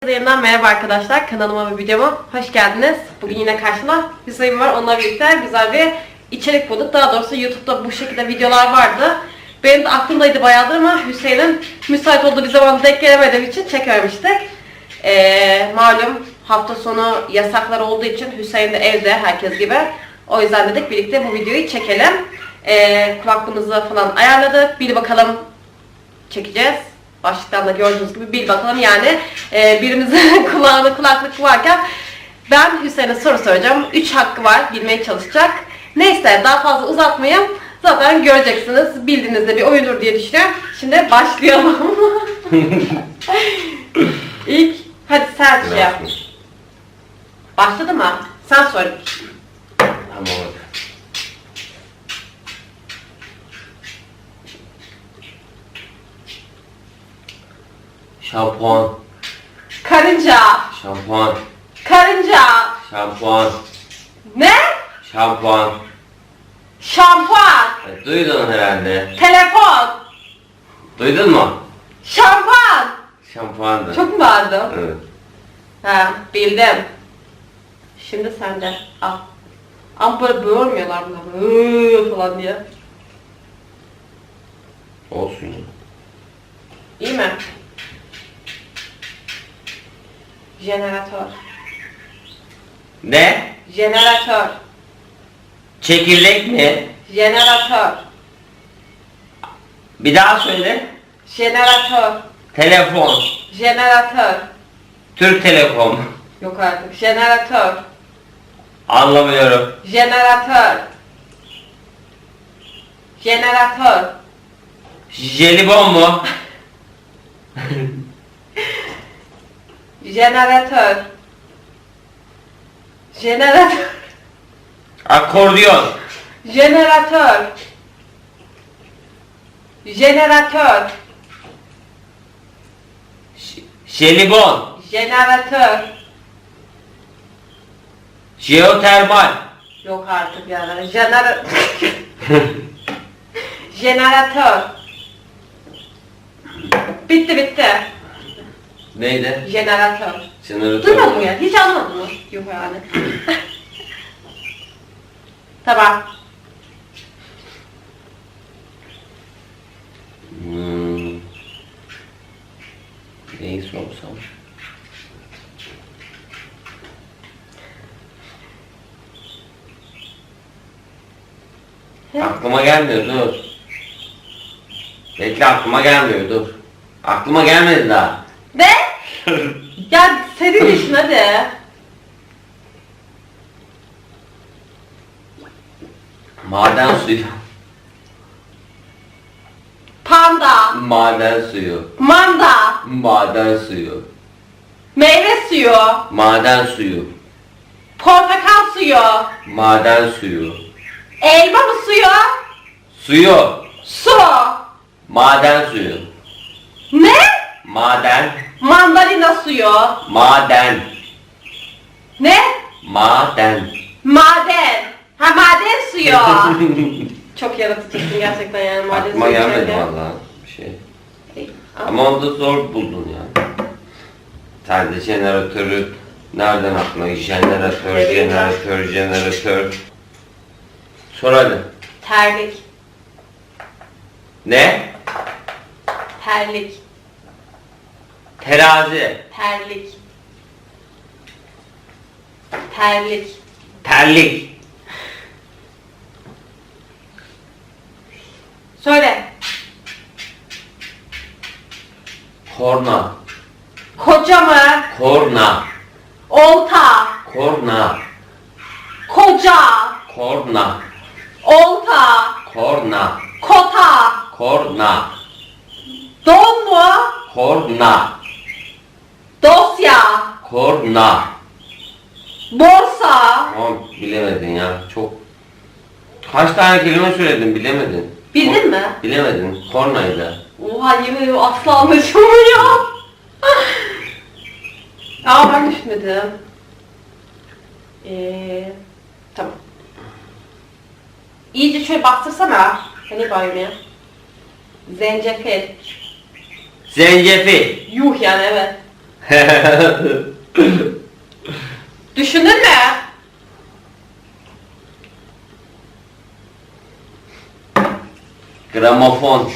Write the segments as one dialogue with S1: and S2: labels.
S1: Yeniden merhaba arkadaşlar, kanalıma ve videoma hoş geldiniz. Bugün yine karşımda Hüseyin var, onunla birlikte güzel bir içerik bulduk. Daha doğrusu YouTube'da bu şekilde videolar vardı. Benim de aklımdaydı bayağıdır ama Hüseyin'in müsait olduğu bir zaman denk gelemediğim için çekememiştik. Malum hafta sonu yasaklar olduğu için Hüseyin de evde herkes gibi. O yüzden dedik birlikte bu videoyu çekelim. Kulaklığımızı falan ayarladık. Bir bakalım çekeceğiz. Başlıktan da gördüğünüz gibi bir bakalım yani birimizin kulağında kulaklık varken ben Hüseyin'e soru soracağım. 3 hakkı var, bilmeye çalışacak. Neyse daha fazla uzatmayayım. Zaten göreceksiniz. Bildiğinizde bir oyundur diye düşünüyorum. Şimdi başlayalım. İlk hadi sen şey yap. Başladı mı? Sen sor.
S2: Tamam. Şampuan,
S1: Karınca.
S2: şampuan,
S1: Karınca.
S2: şampuan,
S1: Ne?
S2: şampuan.
S1: Şampuan.
S2: Duydun herhalde.
S1: Telefon.
S2: Duydun mu?
S1: Şampuan.
S2: Şampuandı.
S1: Çok mu bağırdım?
S2: Evet.
S1: Ha, bildim. Şimdi sende. Al. Ama böyle böğürmüyorlar buna. Böyle falan diye.
S2: Olsun ya.
S1: İyi mi? Jeneratör.
S2: Ne?
S1: Jeneratör.
S2: Çekirdek mi?
S1: Jeneratör.
S2: Bir daha söyle.
S1: Jeneratör.
S2: Telefon.
S1: Jeneratör.
S2: Türk Telekom.
S1: Yok artık. Jeneratör.
S2: Anlamıyorum.
S1: Jeneratör. Jeneratör.
S2: Jelibon mu?
S1: Jeneratör. Jeneratör.
S2: Akordiyon.
S1: Jeneratör. Jeneratör.
S2: Jelibon.
S1: Jeneratör.
S2: Jeotermal.
S1: Yok artık yani. Jeneratör. Bitti.
S2: Neydi?
S1: Jeneratör.
S2: Jeneratör.
S1: Duymadın mı ya? Hiç anlamadın mı? Yok yani. Tamam.
S2: Neyi sorsam? Aklıma gelmiyor, dur. Bekle, aklıma gelmiyor, dur. Aklıma gelmedi daha.
S1: Ne? Ya senin işin hadi.
S2: Maden suyu.
S1: Panda.
S2: Maden suyu.
S1: Manda.
S2: Maden suyu.
S1: Meyve suyu.
S2: Maden suyu.
S1: Portakal suyu.
S2: Maden suyu.
S1: Elma mı suyu?
S2: Suyu.
S1: Su.
S2: Maden suyu.
S1: Ne?
S2: Maden.
S1: Mandalina suyu.
S2: Maden.
S1: Ne?
S2: Maden.
S1: Maden. Ha maden suyu. Çok yaratıcısın gerçekten yani maden
S2: Aklıma
S1: suyu
S2: gelmedi
S1: içerken.
S2: vallahi bir şey.
S1: Ama
S2: Ama onu da zor buldun ya. Sen de jeneratörü nereden aklına? Jeneratör. Sor hadi.
S1: terlik.
S2: Ne?
S1: Terlik.
S2: Terazi.
S1: Terlik. Terlik.
S2: Terlik.
S1: Söyle.
S2: Korna.
S1: Koca mı?
S2: Korna.
S1: Olta.
S2: Korna.
S1: Koca.
S2: Korna.
S1: Olta.
S2: Korna.
S1: Kota.
S2: Korna.
S1: Don mu?
S2: Korna.
S1: Dosya.
S2: Korna.
S1: Borsa.
S2: Tamam, bilemedin ya. Çok. Kaç tane kelime söyledin, bilemedin.
S1: Bildin mi?
S2: Bilemedin. Kornaydı.
S1: Oha yemin ediyorum asla anlaşılmıyor. Aa ben düşünmedim. Tamam. İyice şöyle bastırsana. Hani bayılmaya. Zencefil.
S2: Zencefil.
S1: Yuh yani evet. Düşündün mü?
S2: Gramofon.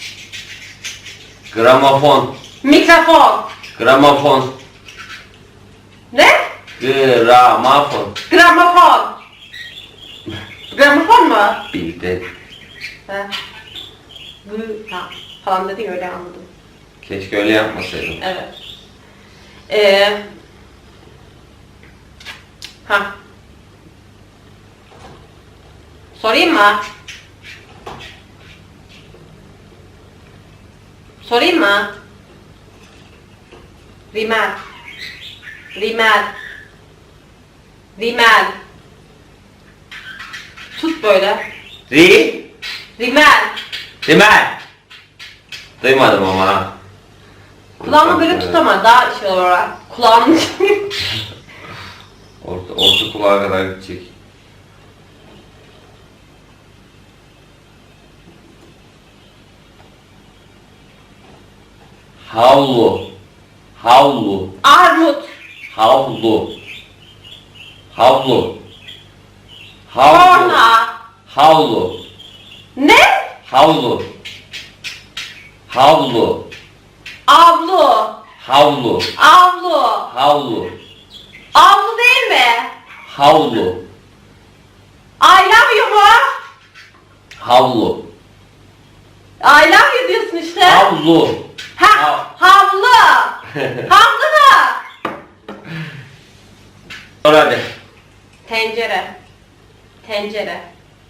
S2: Gramofon.
S1: Mikrofon.
S2: Gramofon.
S1: Ne?
S2: Gramofon.
S1: Gramofon. Gramofon mu?
S2: Bildin.
S1: He. Ha, falan dedin öyle anladım.
S2: Keşke öyle yapmasaydım.
S1: Evet. Ha. Sorayım mı? Sorayım mı? Rimel. Rimel. Rimel. Tut böyle. Rimel.
S2: Rimel. Duymadım ama.
S1: Kulağımı böyle tut ama daha şey olarak. Kulağımın
S2: Orta kulağa kadar gidecek. Havlu. Havlu.
S1: Armut.
S2: Havlu. Havlu. Havlu.
S1: Korna.
S2: Havlu.
S1: Ne?
S2: Havlu. Havlu.
S1: Avlu.
S2: Havlu.
S1: Avlu.
S2: Havlu.
S1: Avlu değil mi?
S2: Havlu.
S1: I love you mu?
S2: Havlu.
S1: I love you diyorsun işte.
S2: Havlu.
S1: Ha, havlu. Havlu mu?
S2: Sor hadi.
S1: Tencere. Tencere.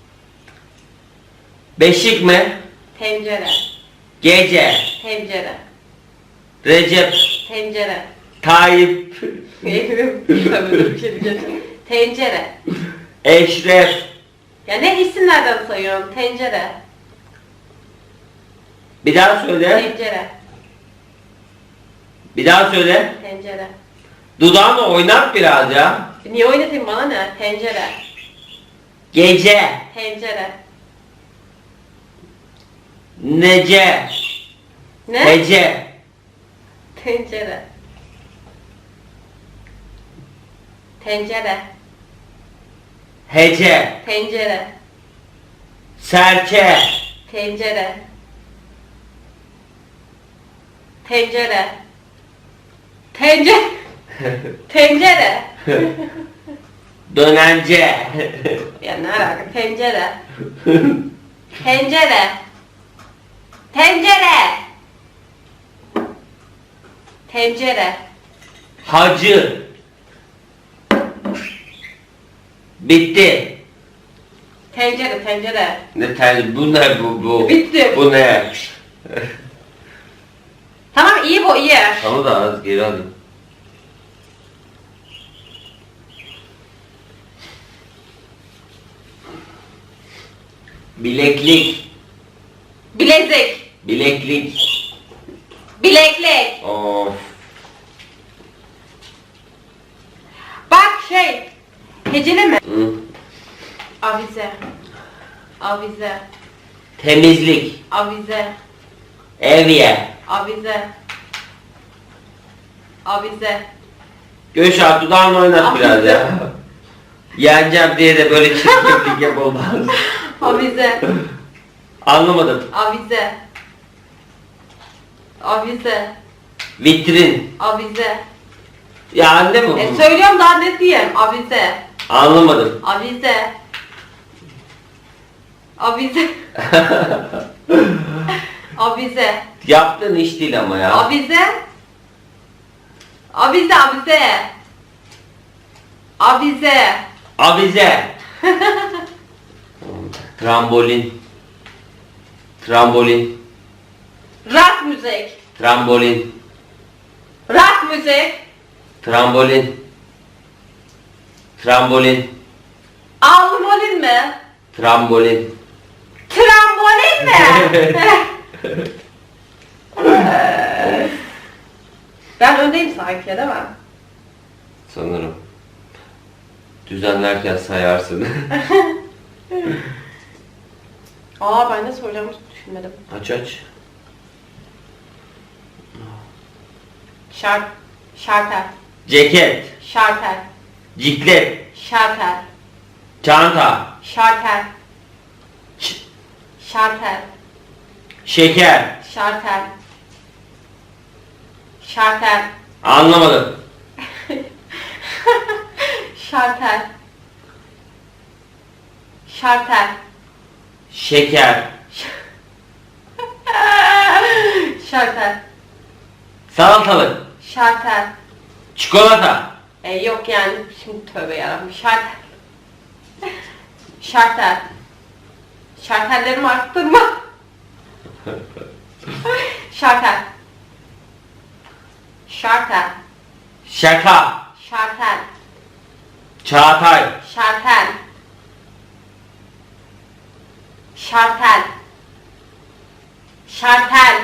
S2: Beşik mi?
S1: Tencere.
S2: Gece.
S1: Tencere.
S2: Recep.
S1: Tencere.
S2: Tayyip.
S1: Tabii dur bir şey diyeceğim. Tencere.
S2: Eşref.
S1: Ya ne isimlerden sayıyorum? Tencere.
S2: Bir daha söyle.
S1: Tencere.
S2: Bir daha söyle.
S1: Tencere.
S2: Dudağını oynat biraz ya.
S1: Niye oynatayım bana ne? Tencere.
S2: Gece.
S1: Tencere.
S2: Nece.
S1: Ne?
S2: Hece.
S1: Tencere. Tencere.
S2: Hece.
S1: Tencere.
S2: Serçe.
S1: Tencere. Tencere. Tencere. Tencere.
S2: Dönence.
S1: Ya ne alaka? Tencere. Tencere. Tencere. Tencere.
S2: Hacı. Bitti.
S1: Tencere, tencere.
S2: Bu ne bu?
S1: Bitti.
S2: Bu ne?
S1: Tamam iyi bu iyi.
S2: Tamam da az geri alayım. Bileklik.
S1: Bilezik.
S2: Bileklik.
S1: Bileklik.
S2: Of.
S1: Bak şey. Heceleme.
S2: Hı.
S1: Avize. Avize.
S2: Temizlik.
S1: Avize.
S2: Evye.
S1: Avize. Avize.
S2: Göşar dudağını oynat
S1: Avize.
S2: biraz ya. Yeneceğim diye de böyle çirkeflik yap olmaz.
S1: Avize.
S2: Anlamadım.
S1: Avize. Avize.
S2: Vitrin.
S1: Avize.
S2: Ya anne mi bu?
S1: Söylüyorum daha net diyeyim. Avize.
S2: Anlamadım.
S1: Avize. Avize. Avize.
S2: Yaptığın iş değil ama ya.
S1: Avize. Avize, avize. Avize.
S2: Avize. Trambolin. Trambolin.
S1: Rock müzik.
S2: Trambolin.
S1: Rock müzik.
S2: Trambolin. Trambolin.
S1: Almolin mi?
S2: Trambolin.
S1: Trambolin mi? Ben öndeyim sanki değil mi?
S2: Sanırım. Düzenlerken sayarsın.
S1: Aa ben de soracağımı düşünmedim.
S2: Aç aç.
S1: Şark. Şartel.
S2: Ceket.
S1: Şartel.
S2: Ciklet.
S1: Şartel.
S2: Çanta.
S1: Şartel.
S2: Ş-
S1: Şartel.
S2: Şeker.
S1: Şartel. Şartel.
S2: Anlamadım.
S1: Şartel. Şartel.
S2: Şeker.
S1: Şartel.
S2: Salatalık.
S1: Şartel.
S2: Çikolata.
S1: Yok yani şimdi tövbe yarabbim. Şartel. Şartel. Şartellerimi arttırma. Şartel. Şartel.
S2: Şaka.
S1: Şartel.
S2: Çağatay.
S1: Şartel. Şartel. Şartel.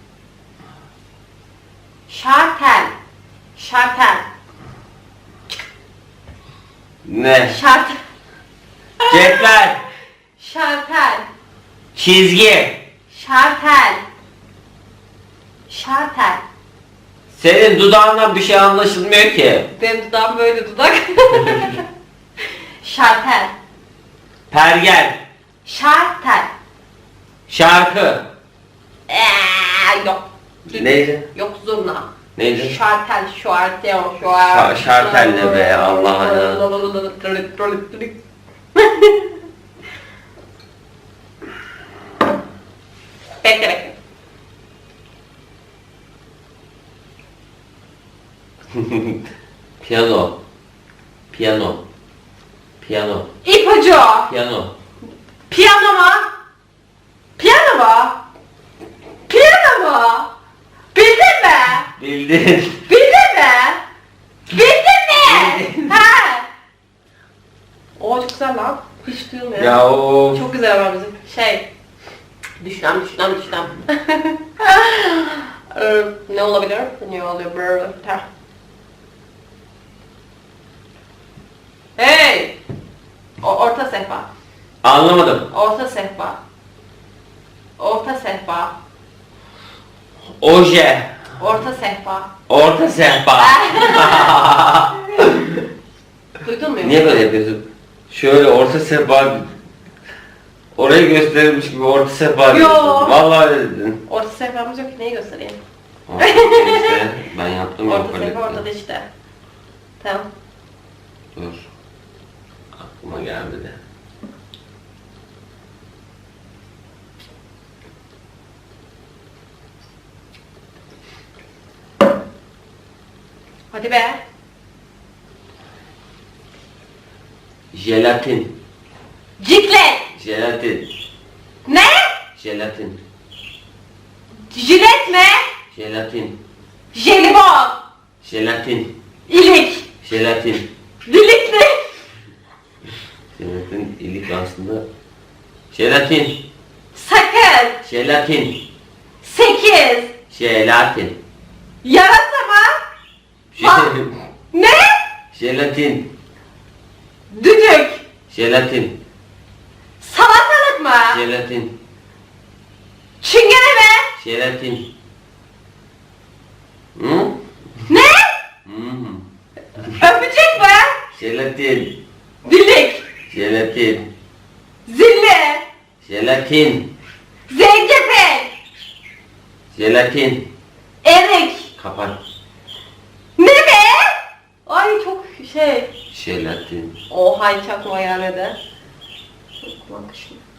S1: Şartel. Şartel.
S2: Ne?
S1: Şartel.
S2: Cetvel.
S1: Şartel.
S2: Çizgi.
S1: Şartel. Şartel.
S2: Senin dudağından bir şey anlaşılmıyor ki.
S1: Benim dudağım böyle dudak. Şartel.
S2: Pergel.
S1: Şartel.
S2: Şarkı.
S1: Yok.
S2: Neydi?
S1: Yok zurna.
S2: Neydi?
S1: Şartel, şartel.
S2: Şartel ne be, Allah'ına.
S1: Bekle bekle.
S2: Piyano. Piyano. Piyano.
S1: İpucu.
S2: Piyano.
S1: Piyano mu? Piyano mu? Piyano mu? Bildin mi?
S2: Bildin.
S1: Bildin mi? Bildin mi?
S2: Bildim.
S1: Ha. O çok güzel lan. Hiç duyulmuyor.
S2: Ya o.
S1: Çok güzel ama bizim Düşlem. Ne olabilir? Ne oluyor böyle? Hey! Orta sehpa.
S2: Anlamadım.
S1: Orta sehpa. Orta sehpa.
S2: Oje.
S1: Orta sehpa.
S2: Orta sehpa.
S1: Duydun mu?
S2: Niye böyle yapıyorsun? Şöyle orta sehpa. Orayı gösterilmiş gibi orta sehpa
S1: Yo.
S2: diyorsun. Vallahi öyle dedin.
S1: Orta sehpamız yok ki neyi göstereyim?
S2: Orta işte. Ben yaptım ya.
S1: Orta sehpa ortada işte. Tamam.
S2: Dur. Aklıma gelmedi.
S1: Hadi be.
S2: Jelatin.
S1: Ciklet.
S2: Jelatin.
S1: Ne?
S2: Jelatin.
S1: Jilet mi?
S2: Jelatin.
S1: Jelibon.
S2: Jelatin.
S1: İlik.
S2: Jelatin.
S1: Dilik ne?
S2: Jelatin ilik aslında. Jelatin.
S1: Sakız.
S2: Jelatin.
S1: 8.
S2: Jelatin.
S1: Yarasa mı? Ne?
S2: Jelatin.
S1: Düdük.
S2: Jelatin.
S1: Salatalık mı?
S2: Jelatin.
S1: Çingene mi?
S2: Jelatin. Hı?
S1: Ne?
S2: Hı.
S1: Öpücük mü?
S2: Jelatin.
S1: Dilik.
S2: Jelatin.
S1: Zilli.
S2: Jelatin.
S1: Zencefil.
S2: Jelatin.
S1: Erik.
S2: Kapat.
S1: Ne be? Ay çok
S2: Jelatin.
S1: Oha hiç aklıma gelmedi. Bak şimdi.